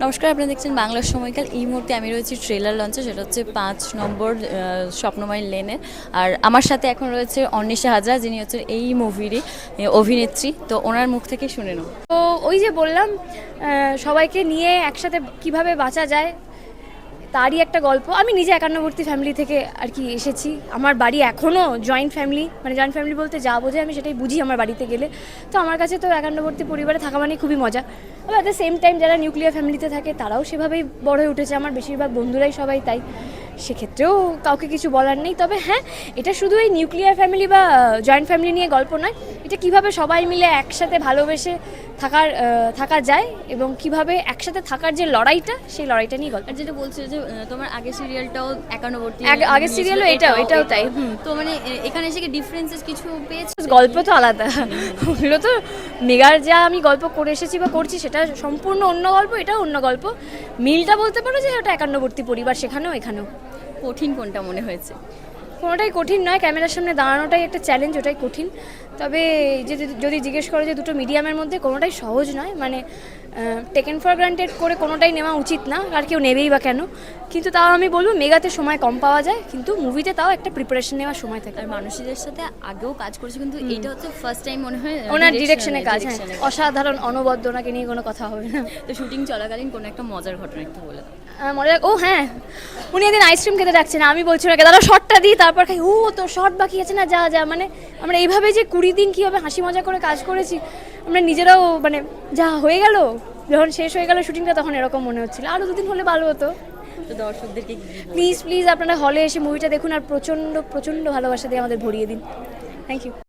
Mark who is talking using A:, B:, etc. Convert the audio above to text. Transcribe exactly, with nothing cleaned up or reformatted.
A: নমস্কার, আপনারা দেখছেন বাংলার সময়কাল। এই মুহূর্তে আমি রয়েছি ট্রেলার লঞ্চে, সেটা হচ্ছে পাঁচ নম্বর আহ, স্বপ্নময় লেনে। আর আমার সাথে এখন রয়েছে অন্বেষা হাজরা, যিনি হচ্ছে এই মুভিরই অভিনেত্রী। তো ওনার মুখ থেকে শুনে নেব।
B: তো ওই যে বললাম, আহ, সবাইকে নিয়ে একসাথে কিভাবে বাঁচা যায় তারই একটা গল্প। আমি নিজে একান্নবর্তী ফ্যামিলি থেকে আর কি এসেছি। আমার বাড়ি এখনও জয়েন্ট ফ্যামিলি, মানে জয়েন্ট ফ্যামিলি বলতে যা বোঝে আমি সেটাই বুঝি আমার বাড়িতে গেলে। তো আমার কাছে তো একান্নবর্তী পরিবারে থাকা মানে খুবই মজা। আবার অ্যাট দ্য সেম টাইম যারা নিউক্লিয়ার ফ্যামিলিতে থাকে তারাও সেভাবেই বড় হয়ে উঠেছে। আমার বেশিরভাগ বন্ধুরাই সবাই তাই, সেক্ষেত্রেও কাউকে কিছু বলার নেই। তবে হ্যাঁ, এটা শুধু এই নিউক্লিয়ার ফ্যামিলি বা জয়েন্ট ফ্যামিলি নিয়ে গল্প নয়, এটা কিভাবে সবাই মিলে একসাথে ভালোবেসে থাকার থাকা যায় এবং কিভাবে একসাথে থাকার যে লড়াইটা, সেই লড়াইটা নিয়ে গল্প।
A: আর যেটা বলছিল যে আহ, তোমার আগের সিরিয়ালটাও একান্নবর্তী,
B: আগে- আগের সিরিয়ালও এটাও এটাও তাই। হুম।
A: তো মানে আহ, এখানে এসে কি ডিফারেন্সেস কিছু পেয়েছো?
B: গল্প তো আলাদা, ওগুলো তো মেগার যা আমি গল্প করে এসেছি বা করছি সেটা সম্পূর্ণ অন্য গল্প, এটাও অন্য গল্প। মিলটা বলতে পারো যে ওটা একান্নবর্তী পরিবার, সেখানেও এখানেও।
A: কঠিন কোনটা মনে হয়েছে?
B: কোনোটাই কঠিন নয়, ক্যামেরার সামনে দাঁড়ানোটাই একটা চ্যালেঞ্জ, ওটাই কঠিন। তবে এই যে যদি- যদি জিজ্ঞেস করো যে দুটো মিডিয়ামের মধ্যে, কোনোটাই সহজ নয়। মানে টেকেন ফর গ্রান্টেড করে কোনোটাই নেওয়া উচিত না, আর কেউ নেবেই বা কেন। কিন্তু তাও আমি বলবো মেগাতে সময় কম পাওয়া যায়, কিন্তু মুভিতে তাও একটা প্রিপারেশন নেওয়ার সময় থাকে।
A: আর মানুষদের সাথে আগেও কাজ করেছে, কিন্তু এটা হচ্ছে ফার্স্ট টাইম মনে হয়
B: ওনার ডিরেকশনে কাজ, হ্যাঁ,
A: direction এ।
B: অসাধারণ, অনবদ্য, ওনাকে নিয়ে কোনো কথা হবে না।
A: তো শুটিং চলাকালীন কোনো একটা মজার ঘটনা একটু বলে দাও।
B: আহ, মনে ও হ্যাঁ, উনি একদিন আইসক্রিম খেতে ডাকছেন, আমি বলছি ওনাকে দাদা শর্টটা দিই, তারপর খাই। ও তো শর্ট বাকি আছে না, যা যা মানে আমরা এইভাবে যে কুড়ি দিন কীভাবে হাসি মজা করে কাজ করেছি, আমরা নিজেরাও মানে যা হয়ে গেল, যখন শেষ হয়ে গেল শুটিংটা তখন এরকম মনে হচ্ছিল আরও দুদিন হলে ভালো হতো।
A: তো দর্শকদেরকে কি বলবে?
B: প্লিজ প্লিজ আপনারা হলে এসে মুভিটা দেখুন আর প্রচণ্ড প্রচণ্ড ভালোবাসা দিয়ে আমাদের ভরিয়ে দিন। Thank you.